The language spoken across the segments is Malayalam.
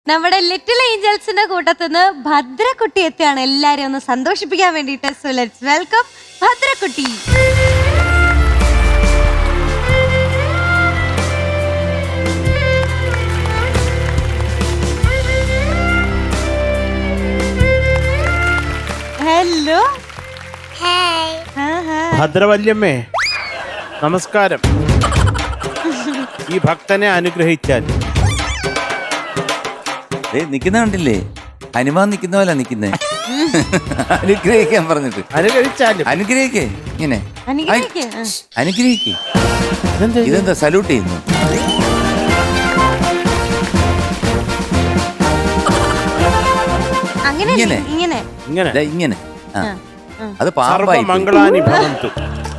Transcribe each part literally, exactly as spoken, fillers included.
നമ്മുടെ ലിറ്റിൽ ഏഞ്ചൽസിന്റെ കൂട്ടത്തിന്ന് ഭദ്രക്കുട്ടി എത്തിയാണ് എല്ലാരെയും ഒന്ന് സന്തോഷിപ്പിക്കാൻ വേണ്ടിയിട്ട്. സോ ലെറ്റ്സ് വെൽക്കം ഭദ്രക്കുട്ടി. ഹലോ. ഭദ്രവല്യമ്മേ നമസ്കാരം. ഈ ഭക്തനെ അനുഗ്രഹിച്ചാൽ നിക്കുന്ന കണ്ടില്ലേ, ഹനുമാൻ നിക്കുന്ന പോലെ നിക്കുന്നേ. അനുഗ്രഹിക്കാൻ പറഞ്ഞിട്ട് അനുഗ്രഹിച്ചാലും അനുഗ്രഹിക്കേ ഇങ്ങനെ അനുഗ്രഹിക്ക്. അനുഗ്രഹിക്കേ. ഇതെന്താ സല്യൂട്ട് ചെയ്യുന്നു? അങ്ങനെ ഇങ്ങനെ ഇങ്ങനെ ഇങ്ങനെ ദാ ഇങ്ങനെ ആ. അത് പാമ്പായി പോയി. മംഗളാനി ഭവന്തു.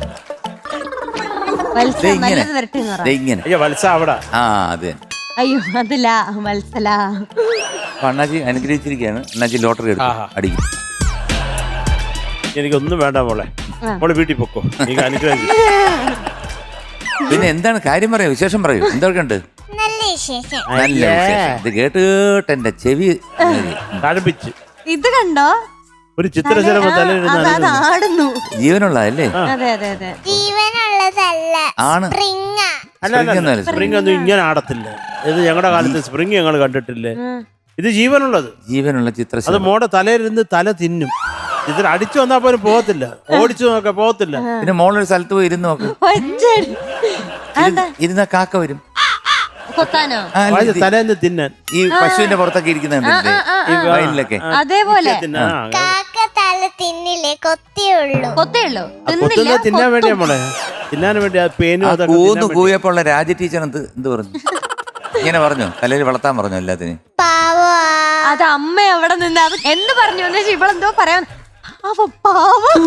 വത്സ ദേ ഇങ്ങനെ. നല്ലത് വരട്ടെ എന്ന് പറ. ദേ ഇങ്ങനെ. അയ്യോ വത്സ അവിടെ. ആ അത് തന്നെ. അയ്യോ അതല്ല വത്സല. അപ്പൊ അണ്ണാജി അനുഗ്രഹിച്ചിരിക്കുകയാണ്. അണ്ണാജി ലോട്ടറി എടുത്തു ആഹാ. അടിക്കും. എനിക്കൊന്നും വേണ്ട മോളെ, മോളെ വീട്ടിൽ പൊക്കോ. എനിക്ക് അനുഗ്രഹം. പിന്നെ എന്താണ് കാര്യം പറയൂ, വിശേഷം പറയൂ. എന്തൊക്കെ ഉണ്ട്? നല്ല വിശേഷം. നല്ല വിശേഷം. ഇത് കേട്ട് കേട്ട് എന്റെ ചെവി തഴപ്പിച്ച് ഇത് കണ്ടോ, ഒരു ചിത്രശലഭ അത് അത് ആടുന്നു. ജീവനുള്ളതല്ലേ? അതെ അതെ അതെ. ജീവനുള്ളതല്ല, ആണ്. സ്പ്രിംഗ. അല്ല അല്ല, സ്പ്രിംഗ് ഒന്നും ഇങ്ങനെ ആടത്തില്ല. ഇത് ഞങ്ങളുടെ കാലത്ത് സ്പ്രിംഗ് ഞങ്ങൾ കണ്ടിട്ടില്ലേ. ഇത് ജീവനുള്ളത്, ജീവനുള്ള അത് ചിത്രശലഭം. മോടെ തലയിലിരുന്ന് തല തിന്നും. ഇതിൽ അടിച്ചു വന്നാൽ പോലും പോകത്തില്ല, ഓടിച്ചു നോക്കാൻ പോകത്തില്ല. പിന്നെ മോളൊരു സ്ഥലത്ത് പോയി ഇരുന്ന് നോക്ക്. ഒറ്റടി. അതാ ഇരുന്ന കാക്ക വരും കൊത്താനോ? ആ, അല്ല, ഇത് തലേന്ന് തിന്നാൻ. ഈ പശുവിന്റെ പുറത്തൊക്കെ ഇരിക്കുന്നുണ്ടല്ലേ ഈ വയലിലൊക്കെ. അതേപോലെ തിന്നാൻ. ആ, കാക്ക തല തിന്നില്ലേ, കൊത്തിയുള്ളൂ. കൊത്തേയുള്ളൂ, ആ കൊത്തുന്നത് തിന്നാൻ വേണ്ടിയാ മോളെ, തിന്നാൻ വേണ്ടി. ആ പേനും ആ അതൊക്കെ കൂന്ന് തിന്നാൻ വേണ്ടി. കൂയപ്പോ ഉള്ള രാജ ടീച്ചർ എന്ത് എന്ത് പറഞ്ഞു? ഇങ്ങനെ പറഞ്ഞു, തലയിൽ വളർത്താൻ പറഞ്ഞു എല്ലാത്തിനും. പാവാ. അത് അമ്മ അവിടെ നിന്ന് അത് എന്ത് പറഞ്ഞു എന്ന് വെച്ചാൽ ഇവളെന്തോ പറയാൻ. അവ പാവം,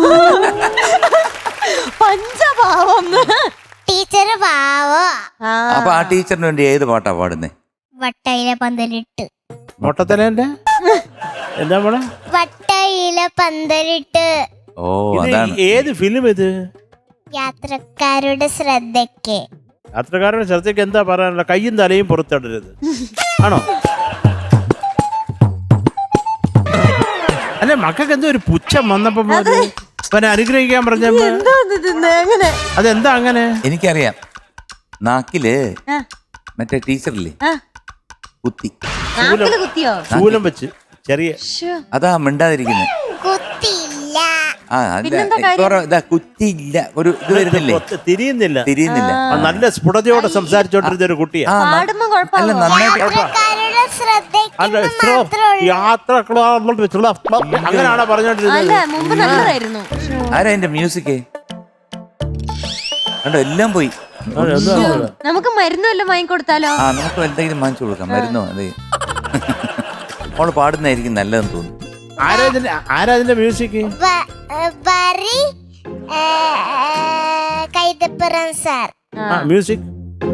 പഞ്ചപാവം. ടീച്ചർ പാവോ. അപ്പൊ ആ ടീച്ചറിന് വേണ്ടി ഏത് പാട്ടാ പാടുന്നേ? വട്ടയില പന്തലിട്ട്. മൊട്ടത്തലേന്റെ എന്താ മോളെ? വട്ടയില പന്തലിട്ട്. ഓ ഇത് അതാണ്. ഏത് ഫിലിം ഇത്? യാത്രക്കാരുടെ ശ്രദ്ധയ്ക്ക്. യാത്രക്കാരുടെ ശ്രദ്ധയ്ക്ക് എന്താ പറയാനുള്ള? കയ്യും തലയും പുറത്തിടരുത് ആണോ? അല്ല മക്കൾക്ക് എന്തോ ഒരു പുച്ഛം വന്നപ്പോ പിന്നെ അനുഗ്രഹിക്കാൻ പറഞ്ഞപ്പോ അങ്ങനെ അതെന്താ അങ്ങനെ? എനിക്കറിയാം. നാക്കില് മറ്റേ ടീച്ചറില്ലേ കുത്തി, നാക്കില് കുത്തിയോ? ശൂലം വെച്ച് ചെറിയ. ശ്ശോ. അതാ മിണ്ടാതിരിക്കുന്നത്. കുത്തിയില്ല. ആ ഇതാ കുത്തിയില്ല, ഒരു ഇത് വരുന്നില്ലേ, ഒത്ത- തിരിയുന്നില്ല. തിരിയുന്നില്ല. ആ, നല്ല സ്ഫുടതയോടെ സംസാരിച്ചോണ്ടിരുന്ന ഒരു കുട്ടിയാ. ആ, ന- പാടുമ്പോ അല്ല കുഴപ്പമില്ല. നന്നായിട്ട്. യാത്രക്കാരുടെ ശ്രദ്ധയ്ക്ക് അല്ല ഇത്രോ യാത്ര അങ്ങനെയാണോ പറഞ്ഞോണ്ടിരുന്നത്? അല്ല മുമ്പ് നല്ലതായിരുന്നു. ആരാ എന്റെ മ്യൂസിക്? കണ്ടോ എല്ലാം പോയി. നമുക്ക് മരുന്നും എല്ലാം വാങ്ങിക്കൊടുത്താലോ? ആ നമുക്ക് എന്തെങ്കിലും വാങ്ങിച്ചു കൊടുക്കാം, മരുന്നോ. അതെ അവള് പാടുന്നതായിരിക്കും നല്ലതെന്ന് തോന്നുന്നു. ആരാതിന്റെ ആരാതിന്റെ മ്യൂസിക്? വരി കൈതപ്പുറം സാർ. ആ മ്യൂസിക്.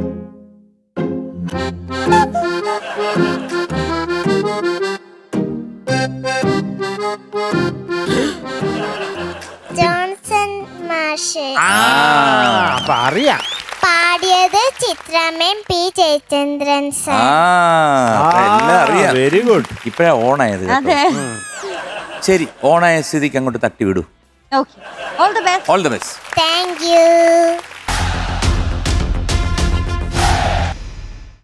ജോൺസൺ മാഷ്. ആ അപ്പൊ അറിയാം. പാടിയത് ചിത്രാമ്മയും പി ജയചന്ദ്രൻ ആ സാർ. അപ്പൊ എല്ലാം അറിയാം. Very good. ഇപ്പഴാ ഓണായത് കേട്ടോ. അതെ. ശരി, ഓണായ സ്ഥിതിക്ക് അങ്ങോട്ട് തട്ടി വിടൂ. Okay, all the best. All the best. Thank U.